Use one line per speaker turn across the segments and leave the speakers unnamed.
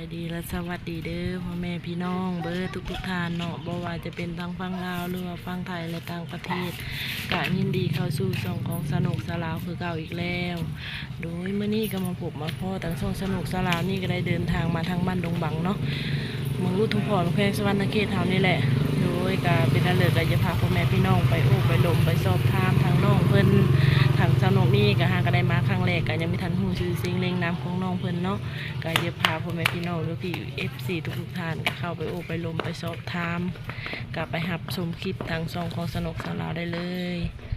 ดีและสวัสดีเด้อพ่อแม่พี่น้องเบอร์ทุกท่านเนาะบ่ว่าจะเป็นทางฝั่งลาวหรือว่าฝั่งไทยและต่างประเทศก็ยินดีเข้าสู่ช่องของสนุกสลาวคือเก่าอีกแล้วโดยมื้อนี้ก็มาพบมาพ่อทางช่องสนุกสลาวนี่ก็ได้เดินทางมาทางบ้านดงบังเนาะเมืองอุทุมพรแขวงสวรรณเขตเฮานี่แหละโดยก็เป็นอันเลิศก็จะพาพ่อแม่พี่น้องไปโอ้ไปลมไปสอบถามทางน้องเพิ่นทางสนุกนี่ก็หาก็ได้มาครั้งแรกก็ยังไม่ทันฮู้ชื่อเสียงเรียงนามของน้องเพิ่นเนาะก็จะพาพ่อแม่พี่น้องหรือพี่ FC ทุกท่านก็เข้าไปโอ้ไปลมไปสอบถามก็ไปรับชมคลิปทางช่องของสนุกสลาวได้เลย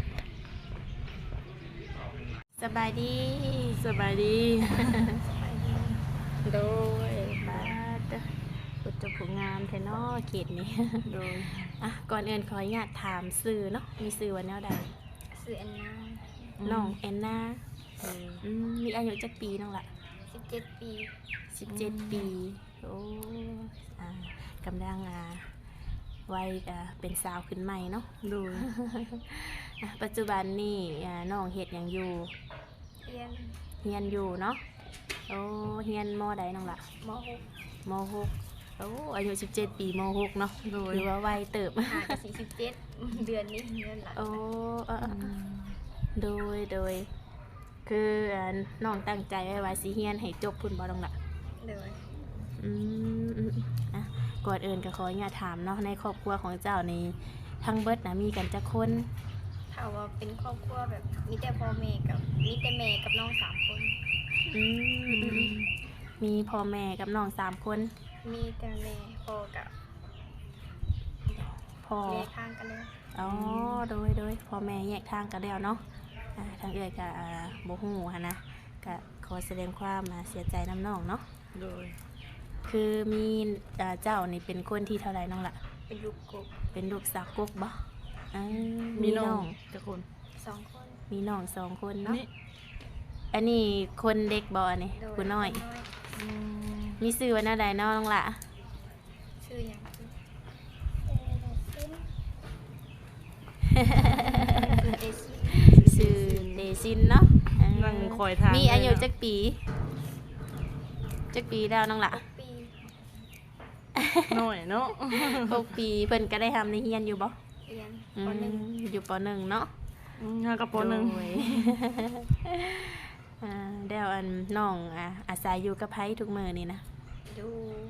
สบายดี
สบายดีโดย
บ้านกุจผลงานเทนอเขตนี้
โดย
อ่ะก่อนอื่นขออนุญาตถามสื่อเนาะมีสื่อวันแนวใด
สื่อแอนนา
น้องแอนนามีอายุจักปีน้องละ
17 ปี
17 ปีโอ้อ่ากำลังวัยเป็นสาวขึ้นใหม่เนาะ
โดย
อ่ะปัจจุบันนี่น้องเฮ็ดหยังอยู่
เรียน
เฮียนอยู่เนาะโอ้เฮียนมใดน้องละ
ม
ม.6 โอ้อายุ17 ปีม.6 เนาะ
โดย
หรือว่าวัยเติบ
.6 ห่างกับ47 เดือนนี้เดือนหลัง
โอ้โดย คือน้องตั้งใจไว้ว่าสิเฮียนให้จบพุ่นบ่ต้องละ
เลย
อ่ะก่อนอื่นก็ขออนุญาตถามเนาะในครอบครัวของเจ้านี่ทั้งเบิดนะมีกันจักคน
ถ้าว่าเป็นครอบครัวแบบมีแต่พ่อแม่กับมีแต่แม่กับน้อง3 คน
อืมมีพ่อแม่กับน้อง3 คน
มีแต่แม่พ่อกับ
พ่อ
แม่ข้างกันเลย
อ๋อโดยพ่อแม่แยกทางกันแล้วเนาะทางเอื้อยก็บ่ฮู้หันนะก็ขอแสดงความเสียใจน้ำน้องเนาะ
โดย
คือมีเจ้านี่เป็นคนที่เท่าไรน้องละ
เป็นลูกกบ
เป็นลูกสาวกกบ่
มีน้องจักคน
2 คน
มีน้อง2 คนเนาะ
นี่
อันนี้คนเด็กบ่อันนี้
โดย
ผู้น้อย
ค
อืม
มีชื่อว่าแนวใดน้องละ
ชื่อหยังคือเอซิ
ชื่อเดซินเนาะ
นั่งคอยทาง
มีอายุ
เลย
จักปีแล้วน้องละ
ปี
น้อยเนาะ
6 ปีเพิ่นก็ได้ทำในเฮียนอยู่บ่
เรียน
อื
ป
ม
.1
อยู่ป .1 เนาะ
ห้ากระป๋อหนึ่ง
โดย เดี๋ยวน้องอาศัยอยู่กับไผทุกมื้อนี่นะ
ดู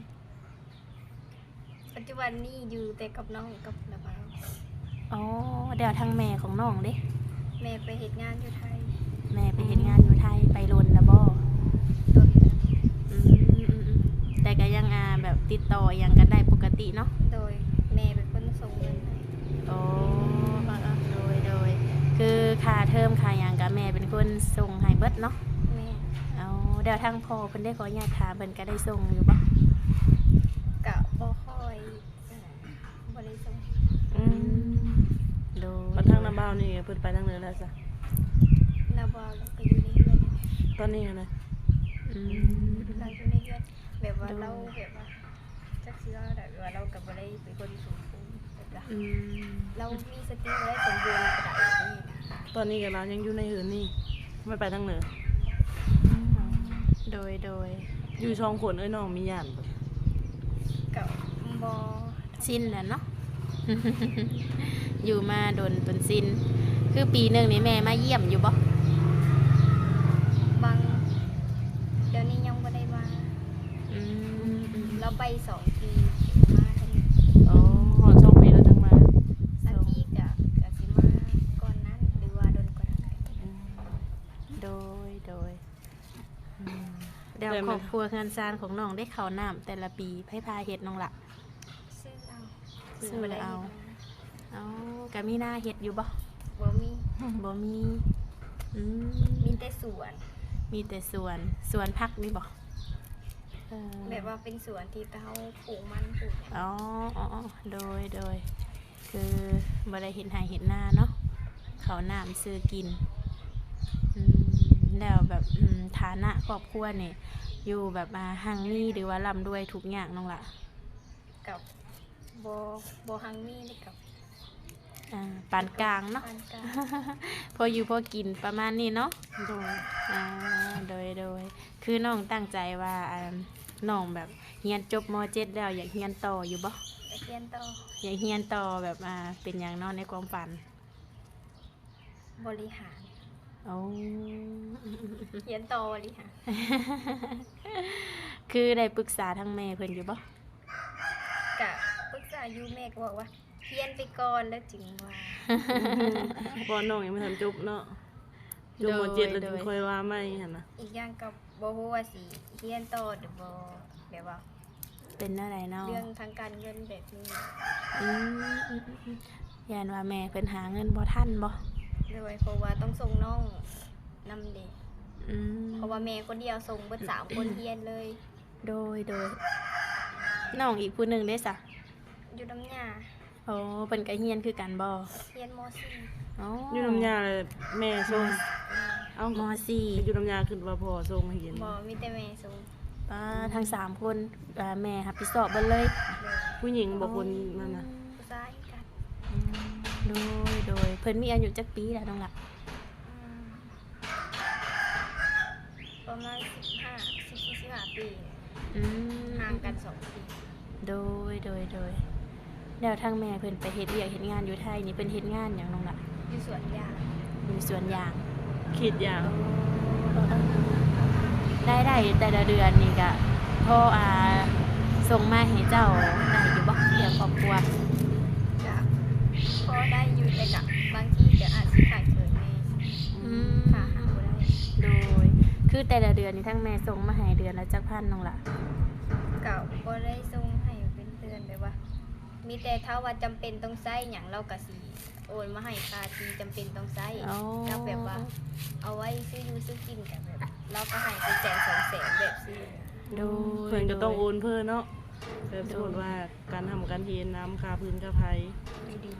ปัจจุบันนี้อยู่แต่กับน้องกับน้าบ่าว
อ๋อเดี๋ยวทางแม่ของน้องเด้
แม่ไปเฮ็ดงานอยู่ไทย
แม่ไปเฮ็ดงานอยู่ไทยไปลนนะบ่
ต้นเดือน
แต่ก็ยังแบบติดต่อยังกันได้ปกติเนาะ
โดยแม่เป็นคนส่งเงินให้
โอ้โดยคือค่าเทอมค่าหยังก็แม่เป็นคนส่งให้เบิดเนาะ
แม่
เอาเดี๋ยวทางพ่อเพิ่นได้ขออนุญาตถามเพิ่นก็ได้ส่งอยู่บ่
กะบ่ค่อยบ่ได้ส่ง
อืม
โดย
มาทางน้ำบ้าวนี่เพิ่นไปทางเหนือแล้วจ้ะ
นาบ่าวเราก็อยู่ในเรือน
ตอนนี้นะ
อืม
เราอยู่ในเรือนแบบว่าเราแบบว่าจักสิว่าแบบว่าเราก็บ่ได้เป็นคนสมบูรณ์แบบว่า
อืม
เรามีสติบ่ได้สมบูรณ์ก็ได้นี่นะ
ตอนนี้กับเรายังอยู่ในหืนนี่ไม่ไปทางเหนือ
โดย
อยู่ช่องขนน้องมีย่านบ่
ก็บ่
สิ้นแล้วเนาะ อยู่มาโดนจนสิ้นคือปีหนึงนี่แม่มาเยี่ยมอยู่บ่
บางเดี๋ยวนี้ยังบ่ได้มา
อืม
เราไป2 ปีมาเท่านี้
อ๋อหอดช่องปีแล้วจังมา
อันที่ก็สิมาก่อนนั้นหรือว่าโดนกว่านั้นก็ได้
โดยเดี๋ยวครอบครัวเฮือนซานของน้องได้เข้าน้ำแต่ละปีไผพาเฮ็ดน้องละ
ซื้อเอา
ซื้อ
บ่ได้
เอา
ฮ็ดนะ
เอาก็มีหน้าเฮ็ดอยู่บ่
บ่มี
บ่มีอืม
มีแต่สวน
มีแต่สวนผักนี่บ่เออ
แบบว่าเป็นสวนที่เขาปลูกมันปลูกหยัง
อ๋อโดยคือบ่ได้เห็นหายเห็นหน้าเนาะเขาวน้ำซื้อกินแล้วแบบฐานะครอบครัวนี่อยู่แบบหังมีหรือว่าร่ำรวยทุกอย่างน้องละ
กับโบฮังมีนี่กับ
ปานกลางเนาะ
ปานกลาง
พออยู่พอกินประมาณนี้เนาะ
โดย
โดยคือน้องตั้งใจว่าน้องแบบเรียนจบม .7 แล้วอยากเรียนต่ออยู่บ่
ไปเรียนต่อ
อยากเรียนต่อแบบเป็นอย่างน้อยในความฝัน
บริหาร
โอ้
เรียนต่อบริหาร
คือได้ปรึกษาทางแม่เพิ่นอยู่บ่
กะปรึกษาอยู่แม่ก็บอกว่าเรียนไปก่อนแล้วจึงว่า
พอน้องยังไม่ทันจบเนาะจบม .7 แล้วถึงค่อยว่าไม่หั่นน่ะ
อีกอย่างก็บ่ฮู้ว่าสิเรียนต่อหรือบ่แบบว่า
เป็นอะไรเนาะ
เรื่องทางการเงินแบบนี้
อืมยานว่าแม่เพิ่นหาเงินบ่ทันบ่
ด้วยเพราะว่าต้องส่งน้องนำเด็ก
อืม
เพราะว่าแม่คนเดียวส่งเบิด3คนเรียนเลย
โดยน้องอีกผู้หนึงได้ซะ
อยู่น้ำยา
โอ้เพิ่นก็เรียนคือกันบ่
เรียนม
อ๋อ
อยู่น้ำยาเลยแม่ส่งเอ้าม
.4
อยู่น้ำยาขึ้นว่าพ่อส่งให้เห็น
.4 บ่มีแต่แม่ส่ง
ป้าทั้ง3คนแม่รับผิดชอบเบิดเลย
เลย
ผู้หญิงบ่คนนั่นน่ะ
ผู้ชายกัน
โดยเพิ่นมีอายุจักปีแล้วน้องล่ะ
อืมประมาณ14-15 ปีเนี่ย
อืม
ห่างกัน2 ปี
โดยแล้วทางแม่เพิ่นไปเฮ็ดเวียกเฮ็ดงานอยู่ไทยนี่เพิ่นเฮ็ดงานหยังน้องล่ะ
อยู่สวนยาง
อยู่สวนยาง
คิดอย่าง
ได้แต่ละเดือนนี่ก็พ่อส่งมาให้เจ้าได้อยู่บ่เลี้ยงครอบครัว
ก็พอได้อยู่แต่กับบางทีก็อาจสิขาดเกินแม่
อืม
ค่ะหาบ่ได้
โดยคือแต่ละเดือนนี่ทั้งแม่ส่งมาให้เดือนละจักพันน้องล่ะ
ก็บ่ได้ส่งให้เป็นเดือนแบบว่า มีแต่ถ้าว่าจำเป็นต้องใช้หยังเราก็สิโอนมาให้ค่าที่จำเป็นต้องใช้
อ๋อ
แล้วแบบว่า เอาไว้ซื้ออยู่ซื้อกินกันแบบเราก็ให้เป็นแสน2แสนแบบซื้อ
โดย
เพิ่นก็ต้องโอนเพิ่นเนาะแบบสมมุติว่าการทำการเรียนน้ำค่าพื้นค่าไฟ
อยู่ดี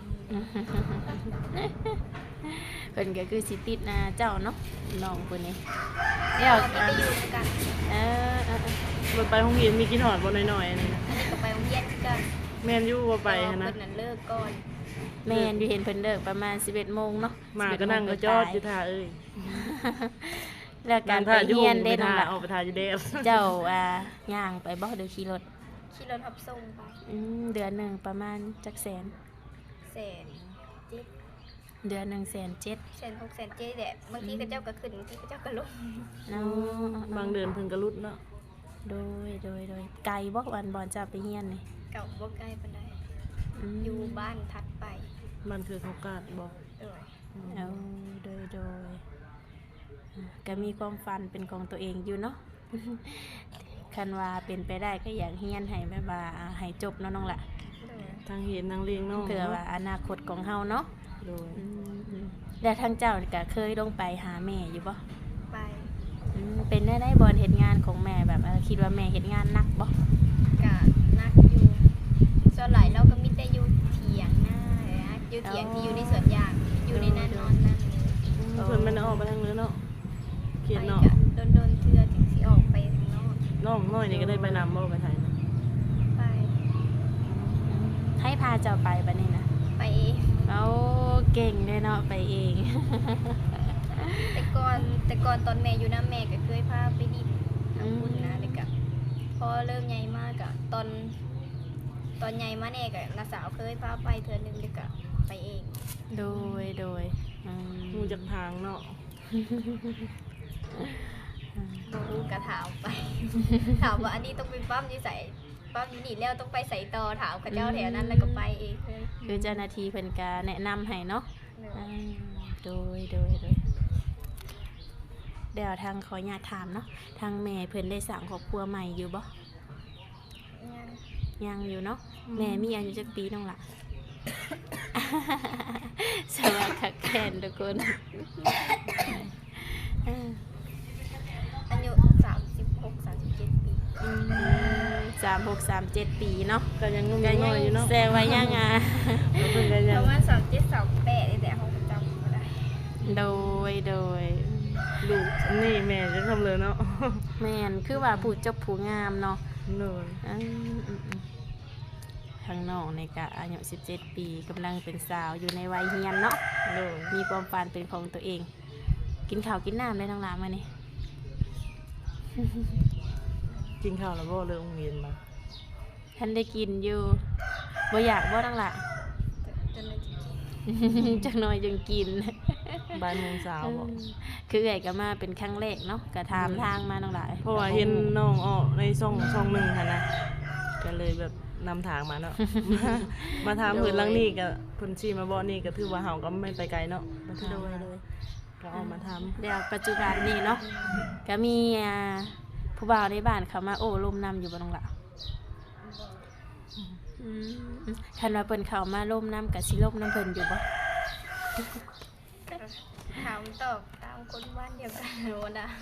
เพิ่นก็คือสิติดเจ้าเนาะน้องคนนี้
ๆ
เดี๋ยว
มีแต่อยู่ด้วยกัน
เออ
บ่ไปโรงเรียนมีกินหอดบ่น้อยๆนี่นะ
อันนี้ก็ไปโรงเรียนกัน
แม่นอยู่บ่ไปหั้นนะ
เพิ่นนั้นเลิกก่อน
แม่นอยู่เห็นเพิ่นเลิกประมาณ 11 โมงเนาะ
มาก็นั่งก็จอดอยู่ท่าเอ้ย
แล้วการไป
ท่าอยู่
เรียน
ไป
ได้น้อ
ท่าง
ล่ะ
ออกไปท่าอยู่เด้อ
เจ้าย่างไปบ่หรือขี่รถ
ขี่รถรับส่งไป
เดือนหนึงประมาณจักแสน
แสนเจ็ด
เดือนหนึง107,000
แสน6แสนเจ็ดแหละบางทีก็เจ้าก็ขึ้นบางทีก็เจ้าก็ลง
เนาะ
บางเดือนเพิ่นก็รุดเนาะ
โดยไกลบ่วันบ่จะไปเรียนนี่
เก่าบ่ใกล้ปานใด
ม
อยู่บ้านถัดไป
มันคือเขากาดบ่
เออ
เอาโดยก็มีความฝันเป็นของตัวเองอยู่เนาะ คันว่าเป็นไปได้ก็อยากเรียนให้แบบว่าให้จบเนาะน้องล่ะ
เออ
ทางเห็นทางเลี้ยงน้อง
เผื่อว่าอนาคตของเฮาเนาะ
โดย
แล้วทางเจ้าก็เคยลงไปหาแม่อยู่บ่
ไป
เป็นได้บอลเฮ็ดงานของแม่แบบคิดว่าแม่เฮ็ดงานหนักบ่
กะนักอยู่ส่วนหลายเราก็มีแต่อยู่เถียงหน้าเลยนะอยู่เถียงที่อยู่ในสวนยางอยู่ในนั้นนอนนั่นเลย
เพิ่นมันออกไปทางเนื้อเนาะเขียน
ไป
เนาะ
กะโดนเทื่อถึงสิออกไปข้างนอก
น้องน้อยนี่ก็ได้ไปนำบ่ไปไทยนะ
ไป
ให้พาเจ้าไปบัดนี้นะ
ไปเอง
เอาเก่งเลยเนาะไปเอง
แต่ก่อนตอนแม่อยู่น้าแม่ก็เคยพาไปดินทำบุญนะเลยกะพอเริ่มใหญ่มากกะตอนใหญ่มาแน่กะน้าสาวเคยพาไปเทื่อนึงเลยกะไปเอง
โดย
มูจากทางเนาะ
บ่รู้กะถามไป ถามว่าอันนี้ต้องไปปั๊มอยู่ใส่ปั๊มอยู่นี่แล้วต้องไปใส่ต่อถามเขาเจ้าแถวนั้นแล้วก็ไปเองเลย
คือเจ้าหน้าที่เพิ่นก็แนะนำให้เนาะ โดยเดี๋ยวทางขออนุญาตถามเนาะทางแม่เพิ่นได้สร้างครอบครัวใหม่อยู่บ่
ยัง
ยังอยู่เนาะแม่มีอายุจักปีน้องล่ะ สวัสดีค่ะแคนทุกคน
อายุ36-37 ปี
36-37 ปีเนาะ
ก็ยังงุ่ม
ก็
ยัง
ยั
น้อยอยู่เนาะ
แซวไว้ยัง
แล้วเพิ่นก็ยั
ป
ง
ระมาณ37-38นี่แต่เขาจำบ่ได้
โดย
ลูกนี่แม่จะทำเลยเนาะ
แม่นคือว่าผู้จบผู้งามเนาะ
โดย
ทางน้องในกะอายุ17 ปีกำลังเป็นสาวอยู่ในวัยเรียนเนาะ
โดย
มีความฝันเป็นของตัวเอง กินข้าวกินน้ำได้ทั้งหลายมานี่
กินข้าวแล้วบ่เลยโรงเรียนมา
ท่านได้กินอยู่บ่อยากบ่นั่งล่ะ
จนเลยจริง
จักหน่อยจึงกิน
บ่ายโมงเช้าบ่
คือเอ่ยก็มาเป็นครั้งแรกเนาะก็ถามทางมาน้องหลาย
เพราะว่าเห็นน้องออกในช่องหนึงหั่นนะก็เลยแบบนำทางมาเนาะ มาถามเพิ่นหลังนี้ก็เพิ่นชี้มาบ่นี่ก็ถือว่าเฮาก็ไม่ไปไกลเนาะมาถาม
โดยเลย
ก็ออกมาถาม
เดี๋ยวปัจจุบันนี่เนาะก็มีผู้บ่าวในบ้านเขามาโอ้ลมนำอยู่บ่น้องหล่ะคันว่าเพิ่นเข้ามาล่มน้ำกับสิล่มน้ำเพิ่นอยู่บ่
ถามตอบตามคนบ้านเดียวกันโน่นน่ะ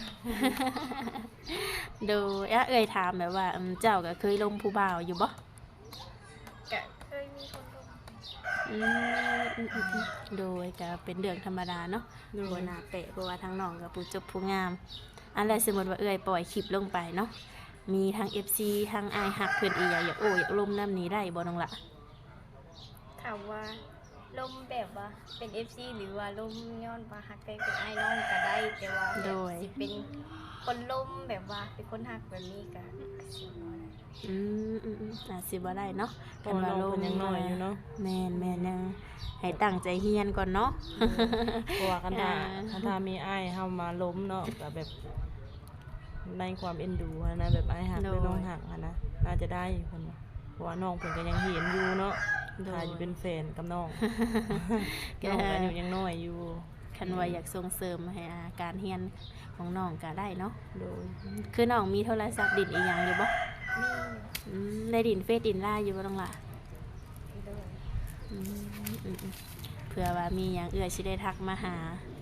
โดยเอ่ยถามแบบว่าเจ้าก็เคยล่มผู้บ่าวอยู่บ่
ก็เคยมีคนลง
อืมโดยก็เป็นเรื่องธรรมดาเนาะ
โดย
บ่น่าแปลกเพราะว่าทางน้องก็ผู้จบผู้งาม อันแรกสมมุติว่าเอ่ยปล่อยคลิปลงไปเนาะมีทาง FC ทางอายฮักเพิ่นอีหยังอยากโอ้อยากล่มน้ำนี้ได้บ่น้องล่ะ
ถามว่าลมแบบว่าเป็น FC หรือว่าลมย้อนว่าฮักไปเป็นไอ้น้องก็ได้แต่ว่าแบบ
โดย
สิเป็นคนลมแบบว่าเป็นคนฮักแบบนี้ก็สิบ่ได้
อาจสิบ่ได้เนาะ
เพราะว่าน้องเพิ่นยังน้อยอยู่เนาะ
แม่นยังให้ตั้งใจเฮียนก่อนเนาะ
เพราะว่าคันถ้า
อ่า
คันถ้ามีอ้ายเฮามาล้มเนาะก็แบบในความเอ็นดูหั้นนะแบบอ้ายหักหรือน้องหักหั้นนะน่าจะได้เพิ่นว่าเพราะว่าน้องเพิ่นก็ยังเห็นอยู่เนาะถ้าอยู่เป็นแฟนกับน้อง น้องก็อายุยังน้อยอยู่
คันว่าอยากส่งเสริมให้การเฮียนของน้องก็ได้เนาะ
โดย
คือน้องมีโทรศัพท์ดินอีหยังอยู่บ่
มี
ได้ดินเฟซดินไลน์อยู่บ่น้องล่ะ
โดย
อืมเผื่อว่ามีหยังเอื้อสิได้ทักมาหา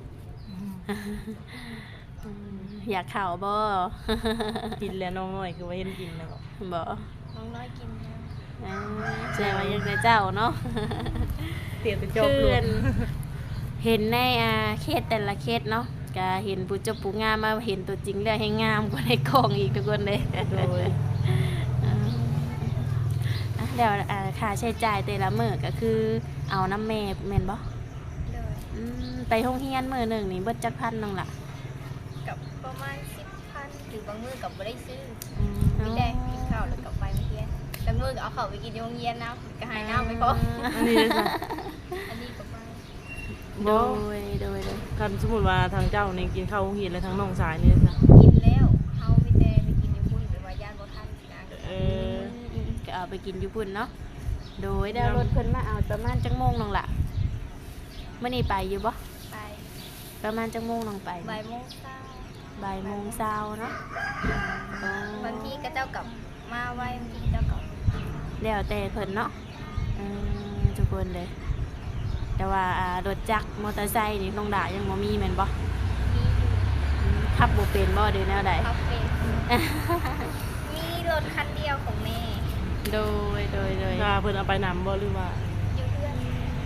อยากเข้าบ่
กินแล้วน้องน้อยคือว่าเห็นกินแล้วก็
บ่
น้องน้อยกินแล้ว
แสดงว่ายังได้เจ้าเนาะ
เตียนไปจบ
คื
ลู
อก เห็นในเคสแต่ละเคสเนาะก็เห็นผู้จบผู้งามมาเห็นตัวจริงแล้วให้งามกว่าในกล่องอีกทุกคนเลย
โดย
เดี๋ยวค่าใช้จ่ายแต่ละมื้อก็คือเอาน้ำแม่แม่นบ่
โดย
ไปโรงเรียนมื้อหนึงนี่เบิดจักพันน้องล่ะ
กับประมาณ10,000หรือบางมื้อกับบ่ได้ซื้อ
อ๋อ
มีแต่กินข้าวแล้วก็ไปโรงเรียนแล้วมื้อก็เอาข้าวไปกินในโรงเรียนนะก็หายน้ำไปพอ
อันนี้เลยจ้ะ
อันนี้ก็ไป
โด
บ่
ย
คันสมมุติว่าทางเจ้านี่กินข้าวโรงเรียนแล้วทางน้องสายนี่จ้ะ
กินแล้วเฮามีแต่ไปกินในพุ่นหรือว่าย่านบ่ทันนะ
เออ
ก็เอาไปกินอยู่พุ่นเนาะโดยได้รถเพิ่นมาเอาประมาณจักโมงน้องล่ะมื้อนี้ไปอยู่บ่
ไป
ประมาณจักโมงน้องไป
บ่ายโมงเช้า
บ่ายโมงเช้าเนาะ
บางทีก็เจ้ากลับมาไวบางทีเจ้ากลับ
แล้วแต่เพิ่นเนาะทุกคนเลย แต่ว่ารถจักรมอเตอร์ไซค์นี่น้องด่ายังบ่มีแม่นบ่
มีอยู่
ขับบ่เป็นบ่เด้แนวใด
คาเฟ่มีรถคันเดียวของแม่
โดย
ถ้าเพิ่นเอาไปนำบ่หรือว่า
อยู่เพื่อน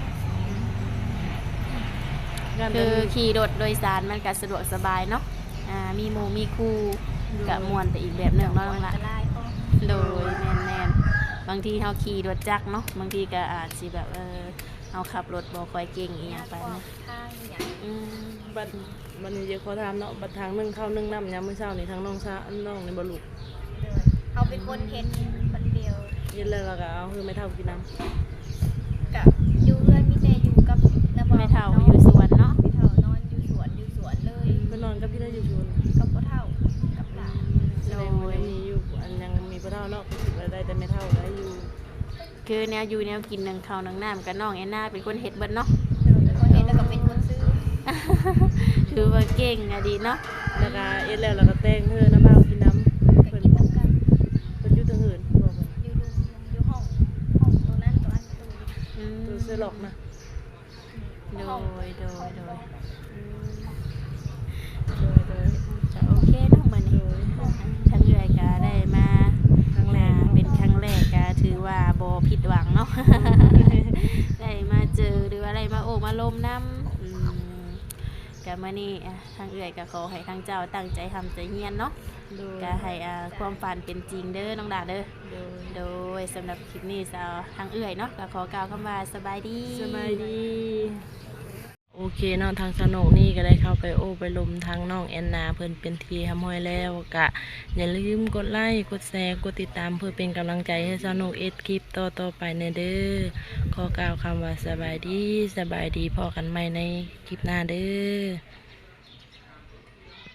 งาน
คื
เพิ่
อน ขี่รถโดยสารมันก็สะดวกสบายเนาะมีหมู่มีครูก็ม่วนไปอีกแบบหนึงเนาะน้องล่ะ
อันตรายพ่อ
โดยแม่นบางทีเฮาขี่รถจักรเนาะบางทีก็อาจสิแบบเฮาขับรถบ่ค่อยเก่งอีหยังไป
ขวา
นะ
งทางอย่าง
บัดมันนี้เดี๋ยวขอถามเนาะบัดทางนึ่งข้าวนึ่งน้ำยามมื้อเช้านี่ทางน้องซาน้องนี่บ่ลูก
เดินเขาเป็นคนเฮ็ดคนเดียว
เย็นแล้วเราก็เอาคือไม่เท่ากินน้ำ
กับอยู่เพื่อนมีแต่อยู่กับน้าบ่าว
แม่เฒ่าอยู่สวนเนาะ
ไม่เท่านอนอยู่สวนเลย
ไปนอนกับพี่ได้อยู่ชวน
กับพ่อเฒ่ากับหลาน
แสดงว่ายังมีอยู่อันยังมีพ่อเท่าเนาะก็ถือว่าได้แต่ไม่เท่าได้อยู่
คือแนวอยู่แนวกินหนึ่งข้าวหนึ่งน้ำกับน้องแอนนาเป็นคนเฮ็ดเบิดเนาะ
เดินเป็นคนเฮ็ดแล้วก็เป็นคนซื้อ
คือว่าเก่งอะดีเนาะ
แล้วก็เอ็ดแล้วเราก็แต่งเธอน้ำเมากินน้ำ
ก็
เพิ่น
กินน้ำกัน
เพิ่นอยู่ทางอื่นบอกเพิ่น
อยู่รูมอยู่ห้องตัวนั้นตัวอันตัวนี้
ตัวเสื้อหลอกนะ
โด
ห้อง
ยโดย
โดย
จะโอเคเนาะมื้อนี้ทั้งเอื้อยก็ได้มา
ครั้งแรก
เป็นครั้งแรกก็ถือว่าบ่ผิดหวังเนาะ ได้มาเจอหรือว่าได้มาโอ้มาลมน้ำก็มื้อนี้ทางเอื้อยก็ขอให้ทางเจ้าตั้งใจทำใจเฮียนเนาะ
โดย
ก็ให้ความฝันเป็นจริงเด้อน้องดาเด้อ
โดย
โดยสำหรับคลิปนี้สาวทางเอื้อยเนาะก็ขอกล่าวคำว่าสบายดี
สบายดี โอ้โอเคเนาะทางสนุกนี่ก็ได้เข้าไปโอ้ไปลมทางน้องแอนนาเพิ่นเป็นทีห้อยแล้วกะอย่าลืมกดไลค์กดแชร์กดติดตามเพื่อเป็นกำลังใจให้สนุกเอ็ดคลิปต่อไปในเด้อขอกล่าวคำว่าสบายดีพอกันใหม่ในคลิปหน้าเด้อ